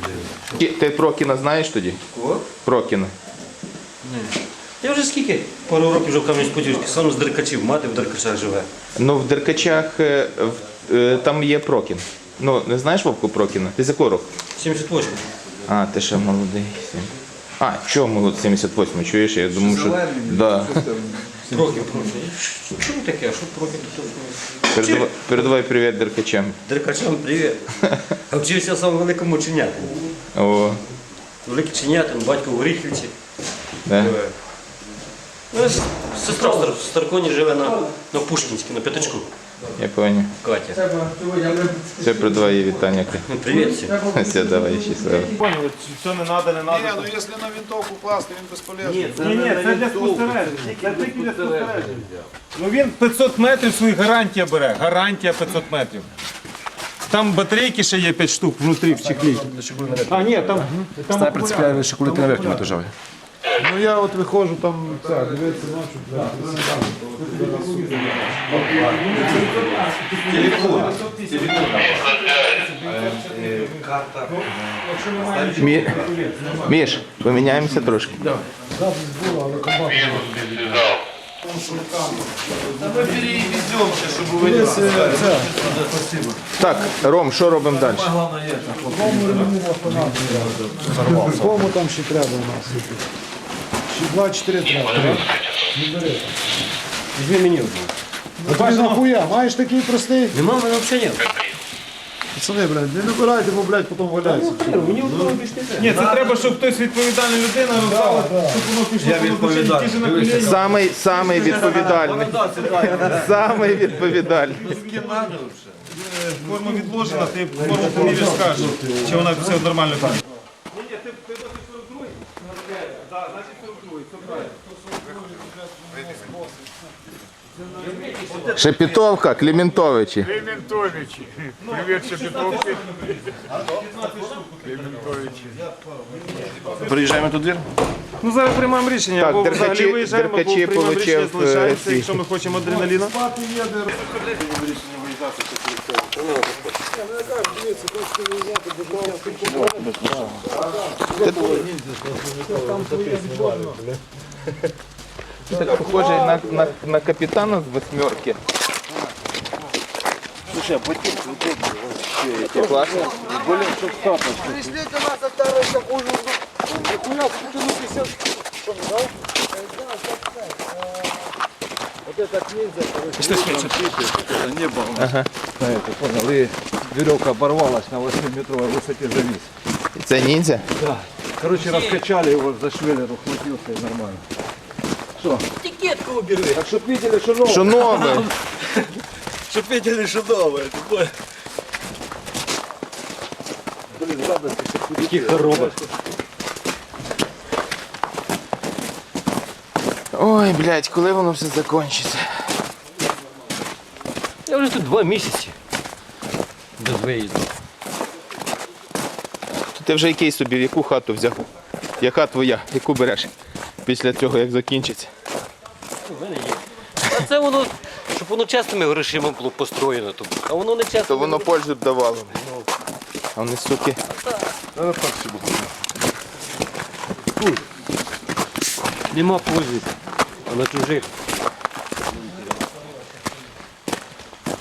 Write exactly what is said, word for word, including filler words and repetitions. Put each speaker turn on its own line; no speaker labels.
Ти, ти Прокіна знаєш тоді?
Кого?
Прокіна.
Ні. Я вже скільки? Пару років вже в Кам'янець-Подільській, сам з Деркачів, мати в Деркачах живе.
Ну, в Деркачах е, в- е, там є Прокін. Ну, не знаєш Вовку Прокіна? Ти з якого року?
сімдесят восьмий.
А, ти ще молодий. А, чого молодий? сімдесят восьмий, чуєш? Я думаю, що... Да.
Проків, Проків. Що таке? Що Проків?
Передавай, передавай привіт Деркачам.
Деркачам привіт. А вчився сам в Великому Чинятині.
О,
Великий Чинятин, батько в Горіхівці.
да.
живе. Ну, с- сестра в Стар- в Старконі живе на, на Пушкінській, на П'ятачку.
Я понял.
Катя.
Все, передавай їй вітання.
Ну, привіт всім.
Все, давай, щасливо.
Поняли, все не треба, не треба.
Ні, ну якщо на винтовку класти, він безполезний.
Ні, ні, це для спостереження. Це тільки для спостереження. Ну він п'ятсот метрів свої гарантія бере. Гарантія п'ятсот метрів. Там батарейки ще є п'ять штук внутрі в чехлі. А, ні, там... там
Снайпер цепляє шикулети на верхньому етажові.
Ну я от виходжу там, це, дивиться ночі.
Мі... Міш, поміняємося трошки. Так, Ром, що робимо далі?
Кому там ще треба у нас? Ще два-чотири треба.
Візьми мені вже.
Ну тобі нахуя, маєш такий простий?
Нема, в мене взагалі немає.
Пацани, блядь, не набирайте, бо, блядь, потім валяється.
Мені одного більше не треба.
Ні, це треба, щоб хтось відповідальна людина роздала, щоб воно пішло по ті ж на коліні.
Самий, самий відповідальний. Самий відповідальний.
Форма відложена, ти форму поміряєш, скажеш, чи вона все нормально там. Ні, ні, ти досить сорок другий? Так, значить сорок другий, все правильно.
Шепетовка, Кліментовичі.
Клементовичі. Привіт, Шепетовки. Клементовичі.
Приїжджаємо тут двір?
Ну зараз приймаємо рішення,
Так,
або
Деркачі-
взагалі виїжджаємо, або
Деркачі
приймаємо рішення,
получив, е,
залишаємося,
ці-
якщо ми хочемо адреналіна.
Ти так похожий на, на, на капітана з восьмерки. Слушай, а ботинки удобные. Тебе классно? Более чем статус.
Пришлите нас от второй такую, нихуя, спутину пятьдесят. Что, да? Вот этот ниндзя, короче.
Это небо у нас. На это, понял, и веревка оборвалась на восьмиметровой высоте завис.
Це ніндзя?
Да. Короче, раскачали его за швеллер, ухватился и нормально. Что?
Тикетку убери.
Так чтоб видели, что новое.
Що нове?
Чтоб видели, что новое. Блин, радости, что
Який хоробер.
Ой, блядь, коли воно все закінчиться?
Я вже тут два місяці. Без виїзду.
То ти вже який собі, в яку хату взяв? Яка твоя? Яку береш? Після цього, як закінчиться?
У мене є. А це воно, щоб воно чесними грошима було построєно. То, а воно не чесно.
То воно пользу б давало. А вони, суки.
Нема пользи. А на чужих.